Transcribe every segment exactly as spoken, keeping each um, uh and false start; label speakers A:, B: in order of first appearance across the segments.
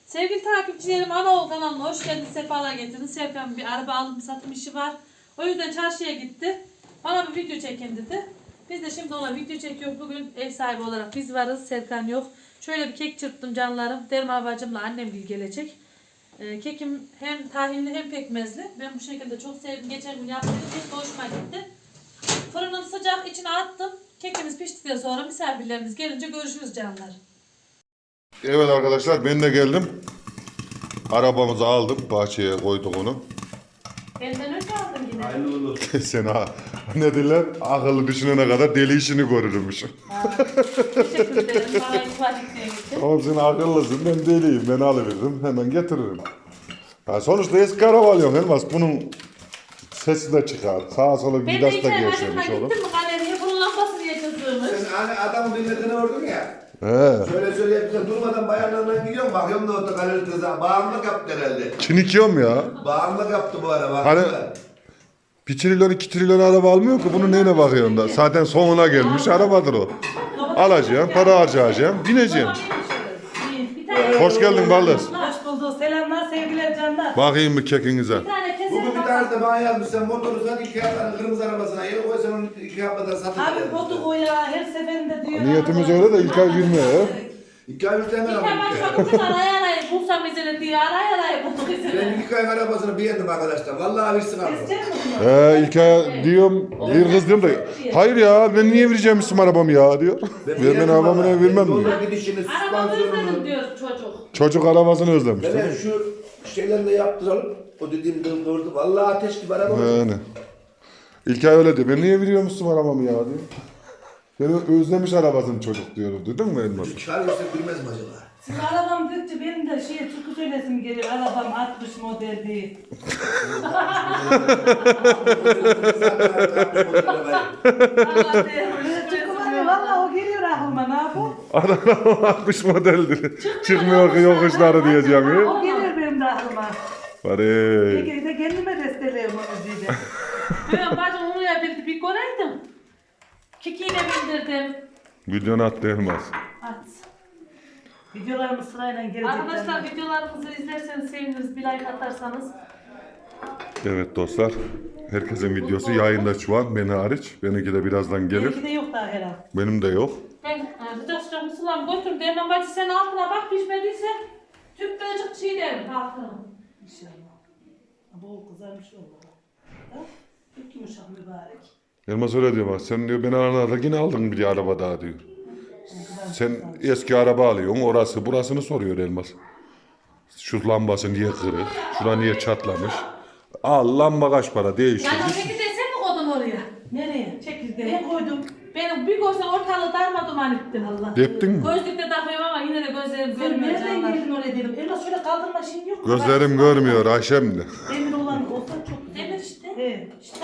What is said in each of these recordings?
A: Sevgili takipçilerim, Anaoğlu kanalına hoş geldiniz, sefalar getirdiniz. Serkan bir araba alım satım işi var. O yüzden çarşıya gitti. Bana bir video çekin dedi. Biz de şimdi ona video çekiyoruz. Bugün ev sahibi olarak biz varız, Serkan yok. Şöyle bir kek çırptım canlarım. Derma bacımla annem gel gelecek. Ee, kekim hem tahinli hem pekmezli. Ben bu şekilde çok sevdim. Geçen gün yaptığım kek de hoşuma gitti. Fırının sıcak içine attım. Kekimiz piştikten sonra misafirlerimiz gelince görüşürüz canlar.
B: Evet arkadaşlar, ben de geldim. Arabamızı aldık, bahçeye koyduk onu.
A: Benden önce aldım yine.
C: Hayırlı olsun.
B: Sen ha, ne diyorlar? Akıllı düşünene kadar deli işini görürmüş.
A: Teşekkür ederim. Bana ifade ettiğin için.
B: Oğlum sen akıllısın, ben deliyim. Ben alıveririm, hemen getiririm. Ha, sonuçta eski araba alıyorsun Elmas. Bunun sesi de çıkar. Sağa sola
A: Ben de
B: vidası
A: iki
B: da
A: ay
B: gevşemiş
A: başıma
B: oğlum.
A: gittim mi galeriye bunun lambasını yatırdığımız.
C: Sen hani adamın bilmediğini ördün ya.
B: He.
C: Şöyle şöyle yapınca durmadan bayanlarla gidiyorum. Bakıyorum da orada galeri kıza. Bağımlılık yaptı herhalde.
B: Çinikiyorum ya.
C: Bağımlılık yaptı bu ara.
B: Hani
C: Baktılar.
B: bir trilyon iki trilyon araba almıyor ki. Bunun neyine bakıyorsun da? Zaten sonuna gelmiş arabadır o. Alacaksın, para harcayacaksın, bineceksin.
A: Bir tane,
B: Hoş geldin Baldız.
D: Hoş bulduk. Selamlar, sevgiler canlar.
B: Bakayım bir kekinize.
A: bir tane
C: Bugün
A: kesin
C: bir tanesi de bana yazmış. Sen motoru sat iki haftanın kırmızı arabasına. Yeni koy sen onu iki haftadan satın.
D: Abi botu o ya, her seferinde diyor.
B: Niyetimiz öyle de ilk ay bilmiyor.
C: İki ay üstü hemen
A: Bir
C: aldım.
A: tane başıma gittim araya araya bulsam izini diye araya araya bulduk
C: Ben
A: izini.
C: ilk ayın arabasını beğendim arkadaşlar. Vallahi bir sıkıntı.
D: Kesecek misin bunu?
B: He ilk ay diyorum, bir kız diyorum da hayır ya ben niye vereceğim isim arabamı ya diyor. Vermen arabamı ne vermem mi?
C: Yolda gidişini,
A: Arabamı özledim
C: süspansiyonunu.
A: diyor çocuk.
B: Çocuk arabasını özlemiş. değil
C: Hele
B: mi?
C: şu şeylerini de yaptıralım. O dediğim doğru. Vallahi ateş gibi araba.
B: Yani. İlk ay öyle diyor. Ben niye veriyorum isim arabamı ya diyor. Beni özlemiş arabasını çocuk diyor. Duydun mu Elmas?
C: Çağırıyorsa bilmez mi acaba?
D: Siz arabam dedikçe benim de şeye türkü söylesim geliyor. Arabam altmış model değil. Böyle türkü var ya, valla o geliyor aklıma, ne yapayım?
B: Araba altmış modeldir. Çıkmıyor ki yokuşları diyeceğim ya.
D: O geliyor benim de aklıma.
B: Bari.
D: Peki de kendime destelerim o müziği.
A: Ben bacım onu yapabildi bir göreydim. Kikiyle bindirdim.
B: Videonu attı Elmas.
A: At.
D: Videolarımız sırayla gelecek.
A: Arkadaşlar
D: canlar.
A: videolarımızı izlerseniz seviniriz, bir like atarsanız.
B: Evet dostlar. Herkesin videosu yayında şu an. Beni hariç. Benimki de birazdan gelir.
D: Benimki de yok daha herhalde.
B: Benim de yok.
A: Ben e, sıcak sıcak mısırlarımı götürdüm. Derman bacı sen altına bak pişmediyse tüp birazcık şey derim altına.
D: İnşallah. Bu kızarmış valla. Da, Çok yumuşak mübarek.
B: Elmas öyle diyor bak. Sen diyor beni aranada yine aldın bir araba daha diyor. Sen eski araba alıyorsun. Orası burasını soruyor Elmas. Şu lambası niye kırık? Şura niye çatlamış? Al lamba kaç para değiştir.
A: Yani çekirdeği sen mi koydun oraya?
D: Nereye?
A: Çekirdeği.
D: Ben koydum.
A: Benim bir görsen ortalığı darma duman ettin Allah.
B: Deptin mi?
A: Gözlükle takıyorum ama yine de gözlerim
D: Sen
A: görmüyor
D: nereden
A: canlar.
D: geldin oraya dedim. Elmas şöyle kaldırma şeyin yok mu?
B: Gözlerim görmüyor Ayşem de.
D: Demir olan olsa çok güzel.
A: Demir işte.
D: Evet.
A: İşte.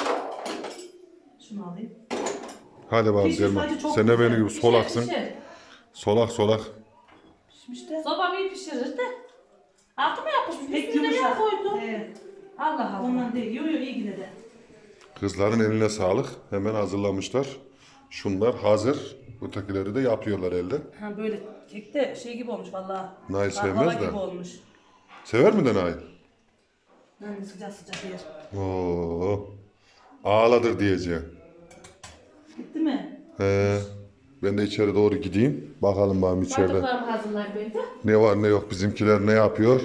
D: Şunu alayım.
B: Hadi bakalım
D: Pişmiş
B: Elmas.
D: acı çok
B: Sen de
D: güzel.
B: beni gibi solaksın.
A: Pişer, pişer.
B: Solak solak.
D: Pişmiş de.
A: Sobam iyi pişirir de. Altı mı yapmışmış?
D: Pek
A: Üstüne ne
D: yumuşak.
A: koydun?
D: Evet.
A: Allah Allah.
D: Ondan değil. Yo yo iyi yine de.
B: Kızların eline sağlık. Hemen hazırlamışlar. Şunlar hazır. Ötekileri de yapıyorlar elde.
D: Ha böyle kek de şey gibi olmuş valla.
B: Nail
D: Baklava
B: sevmez de.
D: gibi olmuş.
B: Sever mi de Nail?
D: Yani sıcak sıcak yer.
B: Oo. Ağladır diyeceğim.
D: Gitti mi?
B: He. Ben de içeri doğru gideyim. Bakalım bakalım içeride.
A: Bardaklarımı hazırlayın ben de.
B: Ne var ne yok bizimkiler ne yapıyor?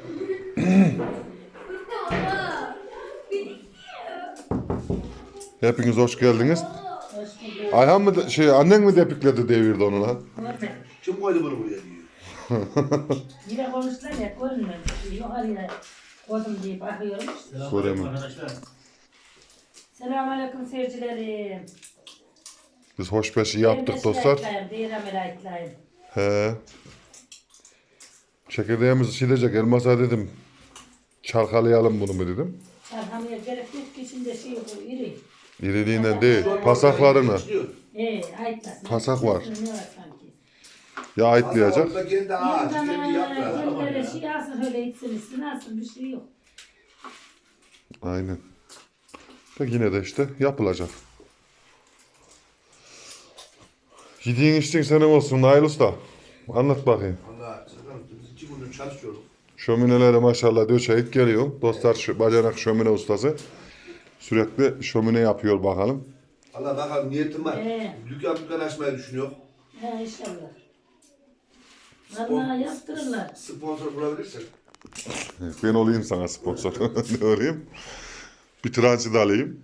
B: Hepiniz hoş geldiniz. Ayhan mı de- şey annen mi depikledi devirdi onu lan?
C: Kim koydu bunu buraya diyor.
E: Yine konuştular ya görünmedi. Yukarıya koydum diye bakıyorum.
B: Göremem.
E: Selamünaleyküm seyircilerim.
B: Biz hoşbeşi yaptık dostlar.
E: Değirem elayetlayım.
B: He. Çekirdeğimizi silecek. Elmas'a dedim. Çalkalayalım bunu mu dedim.
E: Çarhamaya gerek yok ki şimdi şey bu iri.
B: İriliğinden değil. Pasaklarına.
E: Ee ayıtlasın.
B: Pasak var.
E: Ne var sanki?
B: Ya ayıtlayacak.
C: Orada kendi ağaç, kendi
E: Yandan
C: yaprağı.
E: kendileri şey alsın öyle içsin içsin alsın bir şey yok.
B: Aynen. Da yine de işte yapılacak. Yediğin içtiğin senin olsun Nail Usta. Anlat bakayım.
C: Valla biz iki gündür çalışıyoruz.
B: Şöminelere maşallah döşeyip geliyor. Dostlar şu bacanak şömine ustası. Sürekli şömine yapıyor bakalım.
C: Allah bakalım niyetim var.
E: Ee.
C: Dükkan dükkan açmayı düşünüyor.
E: He inşallah. Vallahi yaptırırlar.
C: Sponsor bulabilirsek.
B: Ben olayım sana sponsor. Ne olayım? Bir transit alayım.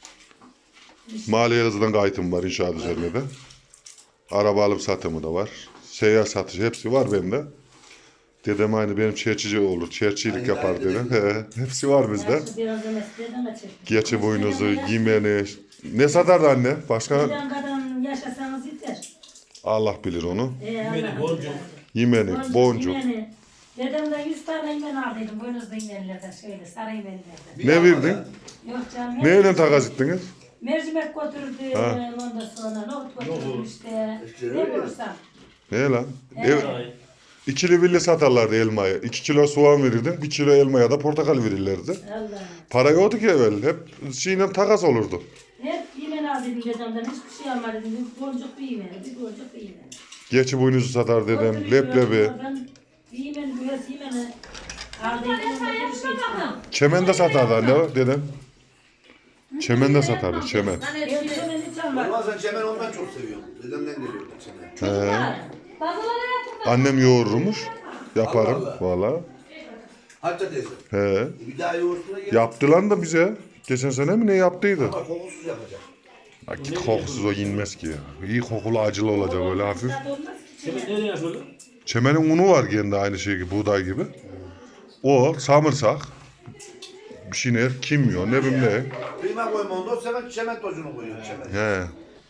B: Maliye hızından kayıtım var inşaat üzerine de. Araba alım satımı da var. Seyyar satışı hepsi var bende. Dedem aynı benim çerçici olur. Çerçilik
C: Aynı
B: yapar
C: aynı
B: dedem. He, hepsi var bizde.
E: Yaşlı biraz da mesleğden de çek.
B: Geçi boynuzu, yemeni. Ne satardı anne? Başka?
E: Bilen kadar yaşasanız yeter.
B: Allah bilir onu.
E: Ee, Allah
F: boncuk.
B: Yemeni, boncuk.
E: yemeni. Dedemden yüz tane yemen aldıydım. Boynuzlu yemenlerden şöyle sarı yemenlerden.
B: Ne verdin?
E: Yok canım.
B: Neyle takas ettiniz?
E: Mercimek götürdü
B: Ha.
E: ondan sonra nohut götürdüm işte.
C: İşte
E: Ne
C: öyle.
E: bulursam.
B: Ne lan?
E: Evet.
B: Ev, ikili billi satarlardı elmayı. İki kilo soğan verirdin, bir kilo elmaya da portakal verirlerdi.
E: Allah.
B: Para yoktu ki evvel. Hep şeyle takas olurdu.
E: Hep yemen aldıydım dedemden. Hiçbir şey almadım. Bir boncuk bir yemen. Bir boncuk bir yemen.
B: Geçi boynuzu satar dedem,
E: Götürüyorum,
B: leblebi.
E: Ben bir yemen, biraz yemeni aldıydım. Bir şey çıkardım.
B: Çemen de satardı anne o dedem. Çemen de satardı, çemen.
A: Hani
E: Ben
A: şey,
E: yemen hiç almadım.
C: Olmaz sen çemen ondan çok seviyorum. Dedemden geliyor çemen.
B: He.
A: bazıları yaptım.
B: Annem yoğururmuş. Yaparım
C: Allah
B: valla.
C: Hatta teyze.
B: He.
C: Bir daha yoğurtuna gel.
B: Yaptı lan da bize. Geçen sene mi ne yaptıydı?
C: Ama kokusuz yapacak.
B: Ha, git kokusuz o yenmez ki ya. İyi kokulu acılı olacak öyle hafif.
F: Senin nereye yapıyordun?
B: Çemenin unu var kendi aynı şey gibi, buğday gibi. O samırsak, bir şeyler, kimyon, ne bileyim ne.
C: Kıyma koyma onda o sefer çemen tozunu koyuyor çemen.
B: He.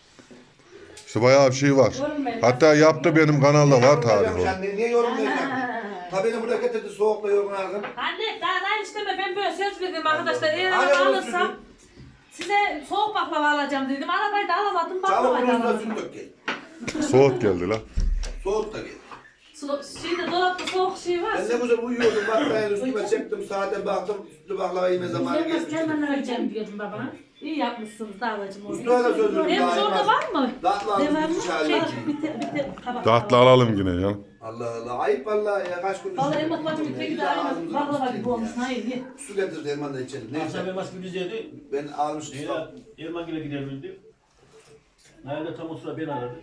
B: İşte bayağı bir şey var. Hatta yaptı benim kanalda var tarihi o.
C: Sen niye yorumlayacaksın? Ta beni buraya getirdi soğukla yorumlardım.
A: Anne daha daha isteme ben böyle söz verdim arkadaşlar. Eğer
C: Anne,
A: araba
C: bunu
A: alırsam
C: sürdüm.
A: size soğuk baklava alacağım dedim. Arabayı da alamadım
C: Çabuk
A: baklavayı da
C: bunun
A: alamadım.
C: süt dök gel.
B: Soğuk geldi la.
C: Soğuk da gel.
A: Su- Şeyde dolapta soğuk şey var.
C: Ben ne güzel uyuyordum baklavanın üstüme çektim saate baktım sütlü baklava yeme zamanı
E: Yemez
C: gelmiş.
E: hemen alacağım diyordum babana.
A: İyi yapmışsınız davacım onu.
C: Usta da söz verdim.
A: Benim
C: daha
A: orada
C: yemez.
A: var mı?
C: Tatlı aldım
A: Devamlı
C: bir çay
A: şey,
C: aldım.
A: bir te, bir te, tabak.
B: Tatlı alalım yine ya.
C: Allah Allah ayıp vallahi ya kaç gündür.
A: Vallahi
C: sürdüm.
A: Elmas bacım
C: Ya,
A: peki de
C: illa
A: aynı
C: ağzımıza
A: baklava
C: tutayım
A: gibi olmuş.
C: ya.
A: Hayır ye.
C: Su getirdi elman da içelim.
F: Akşam
C: Neyse
F: elmas bir bizeydi.
C: ben almıştım.
F: Leyla Erman gibi gidebildi. Nerede tam o sıra beni aradı.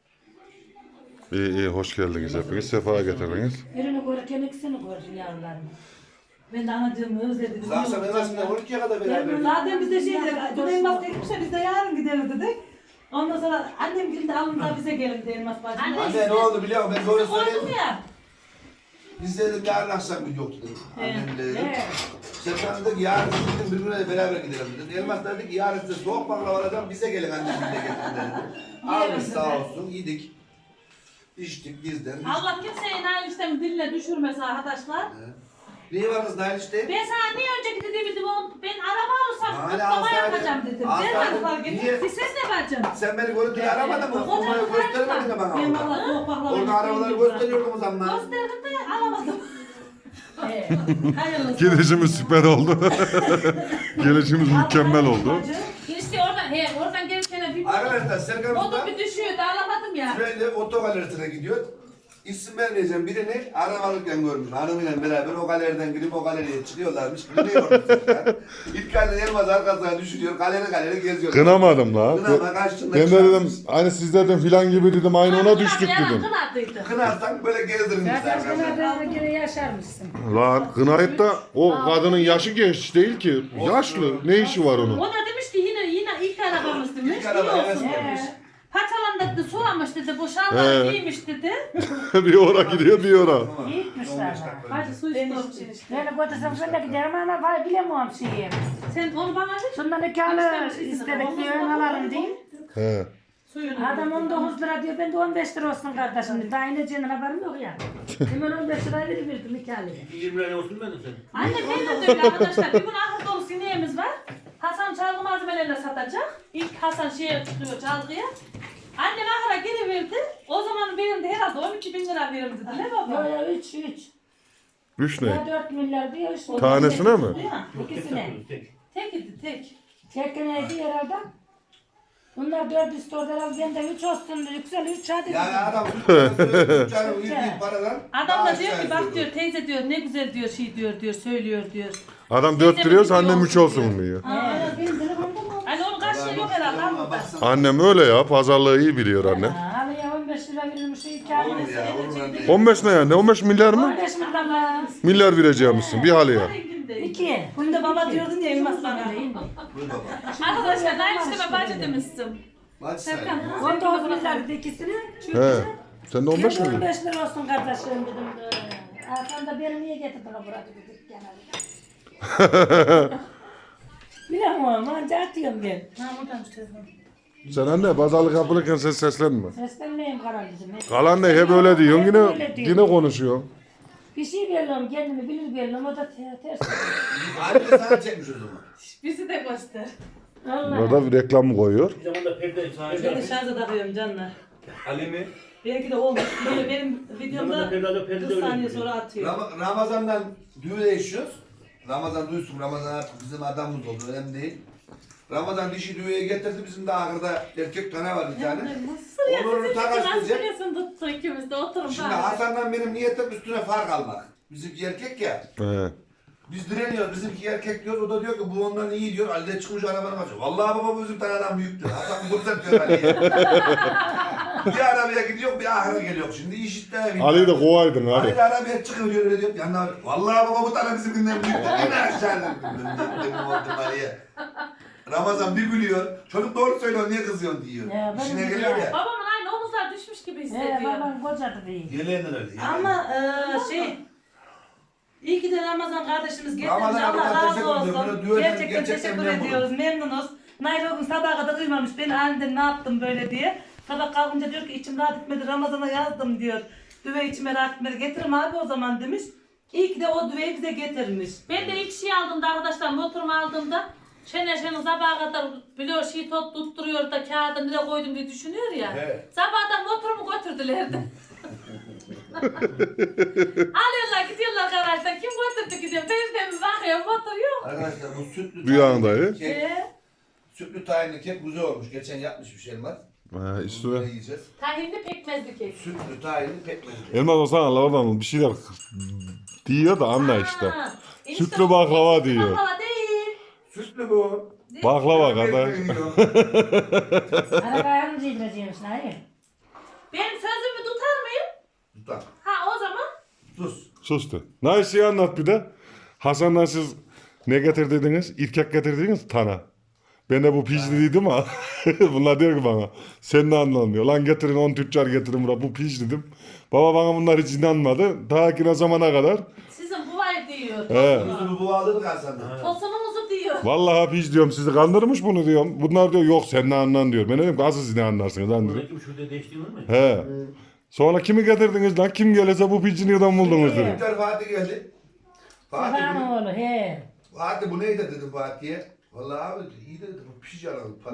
B: İyi iyi hoş geldiniz hepiniz. Sefa getirdiniz.
E: Birini görürken ikisini gördüm yavrularımı.
A: Ben de anacığımı özledim.
C: Akşam elmasında on ikiye kadar beraber.
A: Zaten biz de şey dedik, dün elmas dedik ya biz de yarın gideriz dedik. Ondan sonra annem geldi alın da bize gelin de elmas bacım.
C: Anne ne oldu biliyor musun? Ben böyle
A: Koydum
C: söyleyeyim.
A: ya.
C: Biz dedim yarın akşam gün yoktu dedim. Annem de dedim.
A: Evet.
C: Serkan dedi ki yarın dedim birbirine de beraber gidelim dedi. Elmas da dedi ki yarın size soğuk baklava alacağım bize gelin annem de getirin dedi. Almış sağ olsun yedik. İçtik bizden.
A: Allah kimseyi Nail işlemi diline düşürmesin arkadaşlar.
C: Neyi var kız Nail işte?
A: Ben sana niye önceki dediğim dedim o ben araba alırsam
C: Hala
A: kutlama
C: alsaydın.
A: yapacağım dedim.
C: Alsaydın.
A: Ben hadi fark ettim.
C: Niye?
A: Bir ses ne vereceğim?
C: Sen beni görüntülü aramadın mı? Kumayı göstermedin mi bana
A: Ben
C: orada?
A: valla soğuk baklava
C: Orada arabaları gösteriyordum o zaman.
A: Gösterdim de alamadım.
E: He.
A: Hayırlısı.
B: Gelişimiz süper oldu. Gelişimiz mükemmel oldu.
A: İşte oradan, he, oradan gelirken bir
C: Arkadaşlar Serkan
A: o
C: Usta
A: da bir düşüyordu alamadım ya.
C: şöyle otogalerisine gidiyor. İsim vermeyeceğim birini arabalıkken görmüş. Hanımıyla beraber o galeriden girip o galeriye çıkıyorlarmış. Biliyorum Serkan. İlk galeri Elmas arkasına düşürüyor. Galeri galeri geziyor.
B: Kınamadım la.
C: Kınama kaçtığında
B: Ben de dedim aynı sizlerden filan gibi dedim aynı ona düştük
A: Yalan
B: dedim.
A: kınadıydı.
C: Kınarsan böyle gezdirmişler.
E: Zaten
C: arkadaşlar.
E: sana gene yaşarmışsın.
B: Lan kınayıp da o kadının yaşı genç değil ki. Yaşlı. Ne işi var onun?
A: O da demiş ki yine yine ilk arabamız demiş.
C: İlk araba
A: iyi
C: evet
A: olsun.
C: demiş.
A: Paçalan dedi sulamış dedi bu şalvarı
B: He.
A: giymiş dedi.
B: bir ora gidiyor bir ora.
E: İyi gitmişler.
A: Hadi su içmişsin işte.
E: Beni götürsem ben de giderim ama var bilemiyorum şeyi.
A: Sen onu bana ver.
E: Şundan nikahlı istedik diye ön alalım diyeyim.
B: He.
A: Suyunu.
E: Adam on dokuz lira diyor, ben de on beş lira olsun kardeşim. Daha ineceğinden haberim yok ya. Hemen on beş liraya veriverdim nikahlıya.
F: yirmi liraya olsun benim senin.
A: Anne benim de öyle arkadaşlar. Bir gün ahır dolu sineğimiz var. Hasan çalgı malzemelerini satacak. İlk Hasan şeye tutuyor çalgıya. Annem ahıra giriverdi. O zaman benim de herhalde on iki bin lira verim dedi. Ne
E: Yok
A: baba?
E: ya üç üç.
B: Üç
E: Ya
B: ne?
E: dört milyar diyor üç milyar.
B: Tanesine mi?
A: Değil mi?
E: İkisine.
F: Tek.
A: Tek idi tek.
E: Çekineydi herhalde. Bunlar dört üstü orada ben de üç olsun yüksel üç hadi.
C: Yani adam canım yediği paradan
A: Adam
C: daha
A: da diyor
C: aşağı
A: ki bak
C: yukarı.
A: diyor teyze diyor ne güzel diyor şey diyor diyor söylüyor diyor.
B: Adam dört lirıyorsa annem üç olsun diyor.
E: Ee, benim telefonda mı?
A: Hani onun karşılığı yok herhalde
C: Baksana,
A: ama.
C: baksana.
B: Annem öyle ya, pazarlığı iyi biliyor annem.
E: Ha, Halıya on beş lira verilmiş şu iki ay.
C: Olur ya, olur lan diye.
B: on beş ne yani? on beş milyar mı?
E: on beş milyar mı?
B: Milyar vereceğimizsin bir halıya.
E: İki.
D: Bunda baba diyordun ya Elmas bana.
C: Buyur baba.
A: Arkadaşlar ben işte ben bacı demiştim.
C: Maç sayın.
E: on dokuz milyar dedi ikisini.
B: He. Sen de on beş
E: on
B: milyar.
E: beş lira olsun kardeşim dedim. Aa, sen de beni niye getirdin ha burada dedik genelde. Bilmiyorum ama anca atıyorum ben.
A: Ha buradaymış telefon.
B: Sen anne pazarlık yapılırken ses seslenme.
E: Seslenmeyeyim kardeşim.
B: Kalan ne hep öyle diyorsun
E: Hep
B: yine
E: öyle diyor.
B: yine konuşuyorsun.
E: Bir şey veriyorum kendimi bilir veriyorum o da te- ters.
C: Anne sana çekmiş o zaman.
A: Bizi de göster.
E: Allah.
B: Burada bir reklam mı koyuyor?
F: Bir zaman da perde
D: Ben de şarja takıyorum canlar.
F: Ali mi?
D: Belki de olmuş. Böyle benim videomda
F: Zamanında perde perde
D: kırk saniye
F: öyle
D: sonra atıyor.
C: Ram- Ramazan'dan düğüne yaşıyoruz. Ramazan duysun, Ramazan artık bizim adamımız oldu, önemli değil. Ramazan dişi düğüye getirdi, bizim de ahırda erkek tane var bir tane. Onurunu takas
A: Nasıl
C: edecek.
A: biliyorsun tuttu ikimiz de oturun
C: Şimdi
A: bari.
C: Hasan'dan benim niyetim üstüne fark almak. Bizimki erkek ya.
B: He.
C: Biz direniyoruz, bizimki erkek diyoruz, o da diyor ki bu ondan iyi diyor, Ali de çıkmış arabanı kaçıyor. Vallahi baba bu bizim tane adam büyük diyor. Hasan kurtar diyor Ali'ye. Bir arabaya gidiyor, bir ahıra geliyor. Şimdi işitte bir.
B: Ali'yi de kovaydın
C: Ali
B: Ali.
C: de arabaya çıkıyor diyor, öyle diyor. Yanına vallahi baba bu tane bizimkinden büyük diyor. Yine aşağıdan. Dedim oldum Ali'ye. Ramazan bir gülüyor. Çocuk doğru söylüyor, niye kızıyorsun diyor.
E: Ya, ben
C: İşine
E: de
C: geliyor
E: ya.
C: ya.
A: Babamın aynı omuzlar düşmüş gibi
E: He
A: hissediyor.
E: babam kocadı değil.
C: Yeleğinden öyle. yeleğinden.
D: Ama eee şey İyi ki de Ramazan kardeşimiz getirmiş.
C: Ramazan
D: Allah
C: Allah
D: razı
C: teşekkür ediyorum.
D: olsun.
C: Böyle düğün-
D: Gerçekten,
C: gerçekten
D: teşekkür
C: memnunum.
D: ediyoruz. Memnunuz. Nail o gün sabaha kadar uyumamış. Beni aniden ne yaptım böyle diye. Sabah kalkınca diyor ki içim rahat etmedi. Ramazan'a yazdım diyor. Düve içime rahat etmedi. Getirim abi o zaman demiş. İyi ki de o düveyi bize getirmiş.
A: Ben de ilk şey aldığımda arkadaşlar motorumu aldığımda Şener Şener sabaha kadar biliyor şey tot tutturuyor da kağıda nereye koydum diye düşünüyor ya.
C: Evet.
A: Sabahdan motorumu götürdüler de. Alıyorlar gidiyorlar garajdan. Kim götürdü gidiyor. Benim de mi bakıyor motor yok.
C: Arkadaşlar bu sütlü
B: Rüyanda
C: tahinli
B: ya.
C: kek,
A: Ee,
C: sütlü tahinli kek güzel olmuş. Geçen yapmış bir şey var.
B: Ha,
C: Ne
B: üstüne.
C: yiyeceğiz?
A: tahinli pekmezli kek.
C: Sütlü tahinli pekmezli kek.
B: Elmas olsan Allah oradan bir şeyler diyor da anla işte.
A: Ha, enişte
B: Sütlü
A: bu-
B: baklava diyor.
A: Baklava değil.
C: Sütlü bu.
B: Baklava kadar.
C: Ekmeği yiyor.
E: Arabaya mı yedireceğimiş Nail?
A: Ben sözümü tutar mıyım?
C: Tutar.
A: Ha o zaman
C: Sus.
B: Sustu. Naiş'i anlat bir de. Hasan'dan siz ne getirdiniz? İrkek getirdiniz tana. Ben de bu pijli dedim ha. Bunlar diyor ki bana sen ne anlamıyor. Lan getirin on tüccar getirin buraya bu pij dedim. Baba bana bunlar hiç inanmadı. Ta ki ne zamana kadar.
A: sizin bu var diyor.
B: He.
C: Kuzumu bu aldık Hasan'dan.
A: Tosunumuzu diyor.
B: Vallahi pij diyorum sizi kandırmış bunu diyorum. Bunlar diyor yok sen ne anlan diyor. Ben dedim ki asıl siz ne anlarsınız lan dedim.
F: Buradaki şurada değiştiğin var mı?
B: He. Sonra kimi getirdiniz lan? Kim gelirse bu pici nereden buldunuz dedim.
C: Bir tane Fatih geldi. Fatih
E: Babamın
C: bu,
E: oğlu he.
C: Fatih bu neydi dedim Fatih'e. Vallahi abi iyi dedi bu piş yaralı para.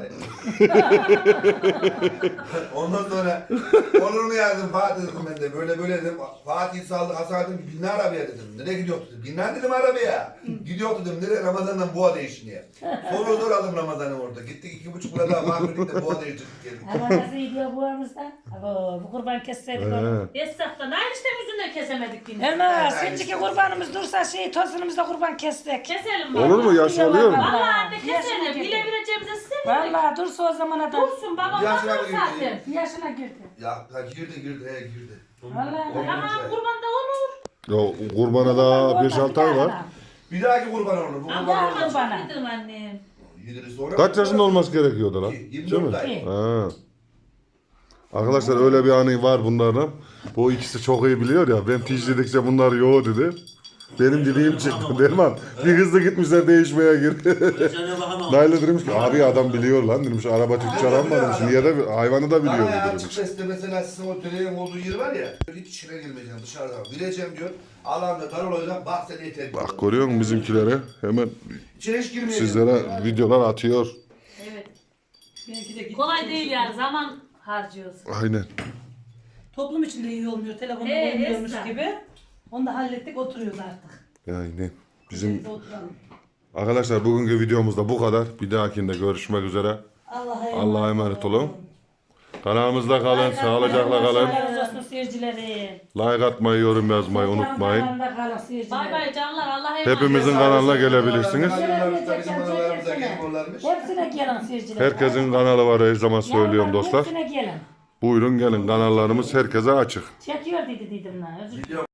C: Ondan sonra Onur'unu yazdım Fatih dedim ben de böyle böyle dedim. Fatih saldı Hasan dedim ki binler arabaya dedim. Nereye gidiyor dedim. Binler dedim arabaya. Gidiyor dedim nereye Ramazan'dan boğa değişmeye. Sonra zor aldım Ramazan'ı orada. Gittik iki buçuk lira daha mahveddik de boğa değiştirdik geldik.
E: Ama nasıl gidiyor bu aramızda? Abo, bu kurban kesseydik onu.
B: He.
A: Esnaftan aynı işte yüzünden kesemedik yine.
E: Elmas, şimdiki kurbanımız dursa şey tosunumuzda kurban kessek.
A: Keselim mi?
B: Olur mu? Yaş oluyor mu?
A: Valla anne
E: Yaşına
A: keselim.
E: girdi.
A: Bile vereceğimize size mi?
E: Vallahi dursa o zamana da
A: Dursun babam
C: Yaşına
A: bakar
C: girdi.
A: zaten.
E: yaşına girdi.
C: Ya ha, girdi girdi he girdi.
E: Vallahi.
A: Tamam kurbanda olur.
B: Ya kurbana da beş altı ay var.
C: Bir dahaki kurban olur. Bu kurban
A: Ama
C: olur.
A: çok
E: bana.
A: yedim annem.
C: Yediriz sonra.
B: Kaç yaşında olması gerekiyordu lan?
C: yirmi
B: Değil mi?
C: dört ay.
B: Ha. Arkadaşlar öyle bir anı var bunlardan. Bu ikisi çok iyi biliyor ya. Ben piş dedikçe bunlar yo dedi. Benim dediğim çıktı. Derman bir hızlı gitmişler değişmeye girdi.
F: Sana bakamam.
B: Nail'e demiş ki abi adam biliyor lan demiş. Araba tüccar ama demiş. Niye de hayvanı da biliyor
C: Bana
B: bu
C: ya
B: demiş.
C: açık sesle mesela sizin o telenin olduğu yer var ya. Hiç içine girmeyeceğim dışarıdan. Gireceğim diyor. Alanda dar olacak. Bak sen yeter. diyor.
B: Bak görüyor musun bizimkilere? Hemen
C: İçine hiç girmeyeceğim.
B: sizlere videolar atıyor.
A: Evet.
D: Belki de gitti.
A: Kolay değil yani zaman harcıyoruz.
B: Aynen.
D: Toplum içinde iyi olmuyor. Telefonda
A: Ee,
D: olmuyormuş
A: Esra.
D: gibi. Onu da hallettik oturuyoruz artık.
B: Aynen. Bizim
D: Biz oturalım.
B: arkadaşlar bugünkü videomuzda bu kadar. Bir dahakinde görüşmek üzere.
D: Allah'a emanet,
B: Allah'a emanet olun. Kanalımızda kalın, sağlıcakla
E: Allah
B: kalın.
E: razı olsun seyircileri.
B: Like atmayı, yorum yazmayı unutmayın.
E: Kanalımda kalın seyircileri.
A: Bay bay canlar. Allah'a emanet.
B: Hepimizin kanalına gelebilirsiniz.
C: Kanallarımız da bizim analarımıza gelmiyorlarmış.
E: Hepsine gelin seyirciler.
B: Herkesin kanalı var her zaman söylüyorum dostlar.
E: Hepsine gelin.
B: Buyurun gelin, kanallarımız herkese açık.
E: Çekiyor dedi dedim lan. Özür
C: Video